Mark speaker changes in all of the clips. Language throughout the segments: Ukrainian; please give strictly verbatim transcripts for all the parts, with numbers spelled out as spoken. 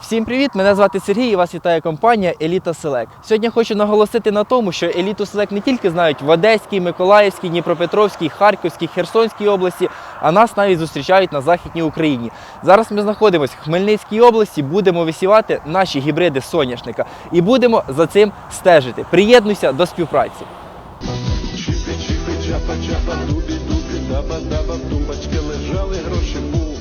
Speaker 1: Всім привіт! Мене звати Сергій і вас вітає компанія Еліта Селект. Сьогодні хочу наголосити на тому, що Еліту Селект не тільки знають в Одеській, Миколаївській, Дніпропетровській, Харківській, Херсонській області, а нас навіть зустрічають на Західній Україні. Зараз ми знаходимося в Хмельницькій області, будемо висівати наші гібриди соняшника і будемо за цим стежити. Приєднуйся до співпраці.
Speaker 2: Тумбочки лежали гроші, бум,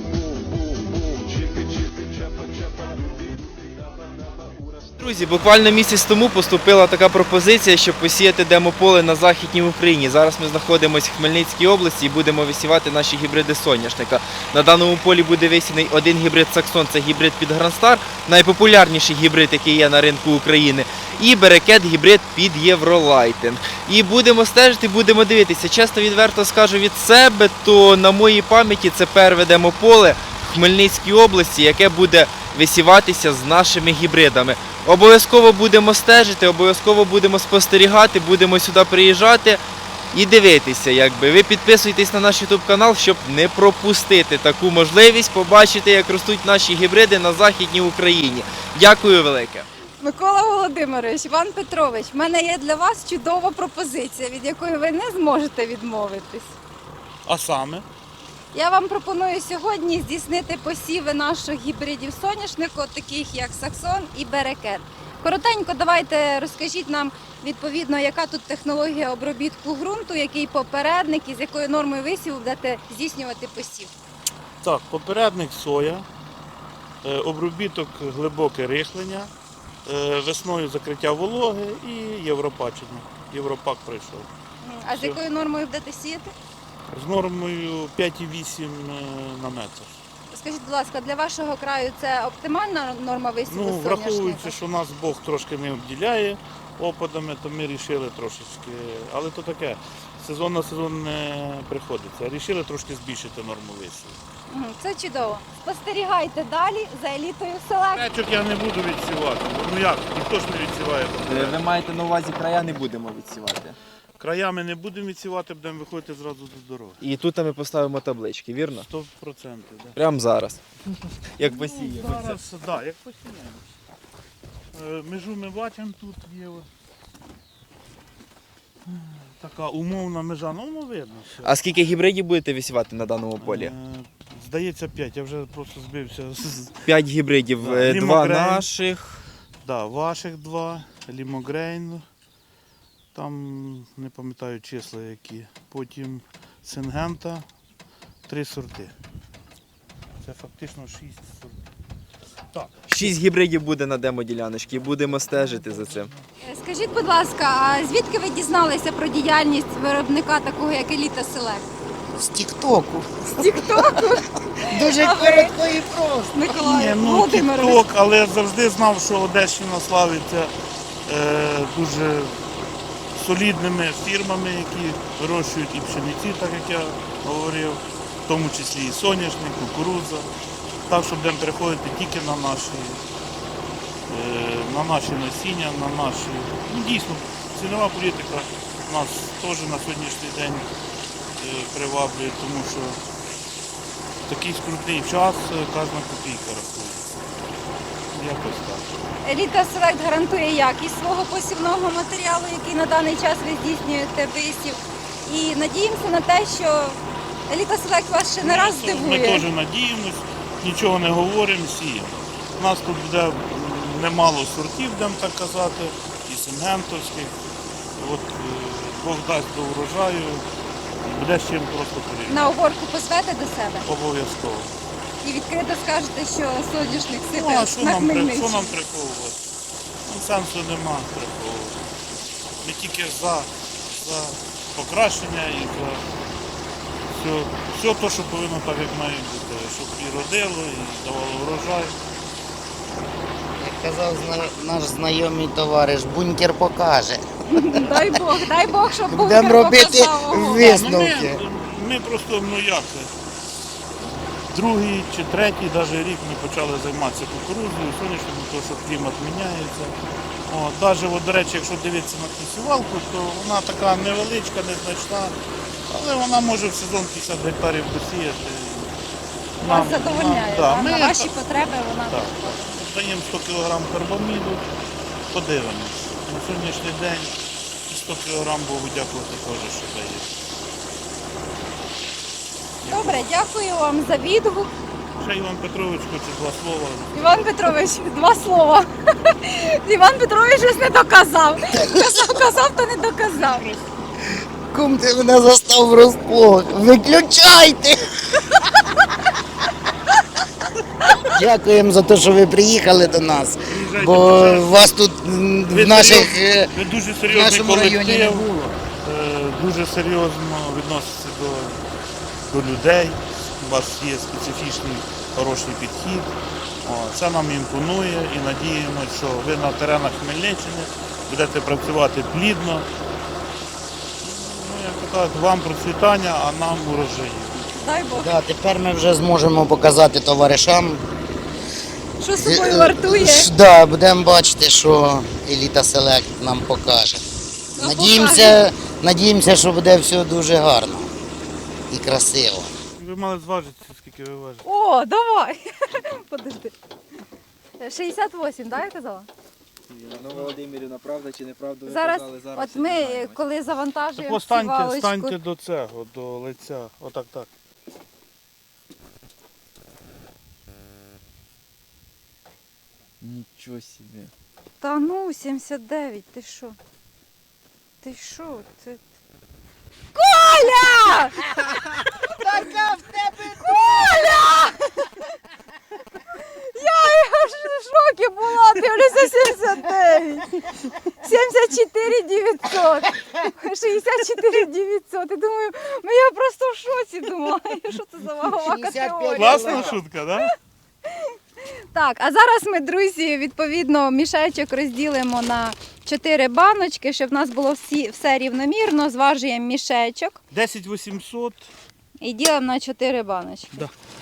Speaker 1: Друзі, буквально місяць тому поступила така пропозиція, щоб посіяти демополе на Західній Україні. Зараз ми знаходимося в Хмельницькій області і будемо висівати наші гібриди соняшника. На даному полі буде висіяний один гібрид Саксон, це гібрид під Грандстар, найпопулярніший гібрид, який є на ринку України, і Берекет гібрид під Євролайтинг. І будемо стежити, будемо дивитися. Чесно, відверто скажу від себе, то на моїй пам'яті це перше демополе в Хмельницькій області, яке буде висіватися з нашими гібридами. Обов'язково будемо стежити, обов'язково будемо спостерігати, будемо сюди приїжджати і дивитися. Якби. Ви підписуйтесь на наш ютуб канал, щоб не пропустити таку можливість побачити, як ростуть наші гібриди на Західній Україні. Дякую велике.
Speaker 3: Микола Володимирович, Іван Петрович, в мене є для вас чудова пропозиція, від якої ви не зможете відмовитись.
Speaker 4: А саме?
Speaker 3: Я вам пропоную сьогодні здійснити посіви наших гібридів соняшнику, таких як Саксон і Берекет. Коротенько давайте розкажіть нам, відповідно, яка тут технологія обробітку ґрунту, який попередник і з якою нормою висіву будете здійснювати посів.
Speaker 4: Так, попередник соя, е, обробіток глибоке рихлення, е, весною закриття вологи і європачення. Європак пройшов.
Speaker 3: А з
Speaker 4: Все.
Speaker 3: якою нормою будете сіяти?
Speaker 4: З нормою п'ять і вісім на метр.
Speaker 3: Скажіть, будь ласка, для вашого краю це оптимальна норма висіву
Speaker 4: Ну,
Speaker 3: соняшника?
Speaker 4: враховуючи, що нас Бог трошки не обділяє опадами, то ми вирішили трошечки, але то таке, сезон на сезон не приходиться. Рішили трошки збільшити норму висіву.
Speaker 3: Мгм, це чудово. Спостерігайте далі за елітою Селект.
Speaker 4: Речок я не буду відсівати. Ну як, ніхто ж не відсіває.
Speaker 1: Ви маєте на увазі, края не будемо відсівати.
Speaker 4: Краями не будемо відсівати, будемо виходити зразу до дороги.
Speaker 1: І тут ми поставимо таблички, вірно?
Speaker 4: Сто процентів. Да.
Speaker 1: Прямо зараз. Як посіємо.
Speaker 4: Зараз, так, да, як посіємо. Е, Межу ми бачимо, тут є от така умовна межа, ну воно видно. Все.
Speaker 1: А скільки гібридів будете висівати на даному полі?
Speaker 4: Е, Здається, п'ять, я вже просто збився. з-
Speaker 1: П'ять гібридів,
Speaker 4: Да,
Speaker 1: е, два
Speaker 4: Лімогрейн.
Speaker 1: наших.
Speaker 4: Да, ваших два, Лімогрейн, там не пам'ятаю числа які. Потім Сингента, три сорти. Це фактично шість сортів. Так.
Speaker 1: Шість гібридів буде на демоділяночці, будемо стежити за цим.
Speaker 3: Е, Скажіть, будь ласка, а звідки ви дізналися про діяльність виробника такого, як Еліта Селект?
Speaker 5: З Тіктоку.
Speaker 3: З Тіктоку?
Speaker 5: Дуже
Speaker 3: А ви?
Speaker 5: коротко і просто.
Speaker 3: Миколай
Speaker 4: Ні, ну
Speaker 3: Володимирович.
Speaker 4: тік-ток, але я завжди знав, що Одещина славиться е, дуже солідними фірмами, які вирощують і пшениці, так як я говорив, в тому числі і соняшник, кукурудза. Так, що будемо переходити тільки на наші, е, на наші насіння, на наші. Ну, дійсно, цінова політика нас теж на сьогоднішній день е, приваблює, тому що в такий скрутний час е, кожна копійка рахується. Якось так.
Speaker 3: Еліта Селект гарантує якість свого посівного матеріалу, який на даний час ви здійснюєте висів. І надіємося на те, що Еліта Селект вас ще не раз
Speaker 4: Ми
Speaker 3: здивує.
Speaker 4: теж надіємось, нічого не говоримо, сіємо. У нас тут буде м, немало сортів, будемо так казати, і сингентовських. От е, Бог дасть до урожаю, буде з чим просто порівняти.
Speaker 3: На оборку позвете до себе
Speaker 4: Обов'язково.
Speaker 3: і відкрито скажете, що соняшник
Speaker 4: Ну, а
Speaker 3: сипе
Speaker 4: що
Speaker 3: на
Speaker 4: нам, при- що
Speaker 3: Хмельниччині.
Speaker 4: нам приховувати? Ну, сенсу нема приховувати. Ми тільки за, за покращення і за все, все те, що повинно так, як має бути, щоб і родило, і давало врожай.
Speaker 5: Як казав зна- наш знайомий товариш, бункер покаже.
Speaker 3: Дай Бог, дай Бог, щоб
Speaker 5: Будемо
Speaker 3: бункер
Speaker 5: робити
Speaker 3: показав. Ого.
Speaker 5: ви- Висновки.
Speaker 4: Ну, ми, ми просто, ну як, другий чи третій навіть рік ми почали займатися кукурудзою, сонячним, тому що клімат міняється. О, навіть, от, до речі, якщо дивитися на цю сівалку, то вона така невеличка, незначна, але вона може в сезон п'ятдесят гектарів посіяти.
Speaker 3: Вас задовольняє,
Speaker 4: да,
Speaker 3: так?
Speaker 4: ми
Speaker 3: На ваші
Speaker 4: так-
Speaker 3: потреби вона
Speaker 4: так.
Speaker 3: підходить.
Speaker 4: даємо сто кілограм карбаміду, подивимось. На сьогоднішній день сто кілограм Богу дякувати теж, що дає.
Speaker 3: Добре, дякую вам за відгук.
Speaker 4: Ще Іван Петрович хоче два слова.
Speaker 3: Іван Петрович, два слова. Іван Петрович щось не доказав. Казав, казав, то не доказав.
Speaker 5: Кум, ти мене застав врозплох. Виключайте! Дякуємо за те, що ви приїхали до нас.
Speaker 4: Приїжджайте,
Speaker 5: Бо
Speaker 4: пожалуйста.
Speaker 5: вас тут м,
Speaker 4: Ви
Speaker 5: в наших
Speaker 4: серйозні-
Speaker 5: е,
Speaker 4: ви дуже
Speaker 5: в
Speaker 4: серйозний
Speaker 5: нашому районі не
Speaker 4: колектив,
Speaker 5: було.
Speaker 4: е, дуже серйозно відноситься до, до людей. У вас є специфічний хороший підхід. О, це нам імпонує і надіємося, що ви на теренах Хмельниччини будете працювати плідно. Ну, як то кажуть, вам процвітання, а нам урожаїв.
Speaker 3: Дай Бог.
Speaker 5: Да, тепер ми вже зможемо показати товаришам.
Speaker 3: Що собою вартує?
Speaker 5: Ш- Да, будемо бачити, що Еліта Селект нам покаже.
Speaker 3: Ну,
Speaker 5: Надіємося, надіємося, що буде все дуже гарно і красиво.
Speaker 4: Ви мали зважитися, скільки ви важите.
Speaker 3: О, давай. Подожди. шістдесят вісім, так, я казала?
Speaker 1: Ну, Володимирівна, правда чи неправда? ви
Speaker 3: Зараз,
Speaker 1: казали, зараз
Speaker 3: от
Speaker 1: всі
Speaker 3: ми,
Speaker 1: дізнаємось.
Speaker 3: коли завантажуємо
Speaker 4: Так
Speaker 3: цю
Speaker 4: станьте,
Speaker 3: валочку,
Speaker 4: станьте до цього, до лиця. Отак так.
Speaker 1: Нічого собі.
Speaker 3: Та ну, сімдесят дев'ять, ти що? Ти що? Це... Коля!
Speaker 5: Така в тебе
Speaker 3: Коля! Я аж в шокі була, дивлюся сімдесят дев'ять. сімдесят чотири дев'ятсот. шістдесят чотири дев'ятсот. І думаю, ну я просто в шоці думала, що це за вагова
Speaker 5: шістдесят п'ять
Speaker 3: категорія.
Speaker 4: Класна шутка, так? Да?
Speaker 3: Так, а зараз ми, друзі, відповідно, мішечок розділимо на чотири баночки, щоб в нас було всі, все рівномірно. Зважуємо мішечок
Speaker 4: десять вісімсот.
Speaker 3: і ділимо на чотири баночки.
Speaker 4: Да.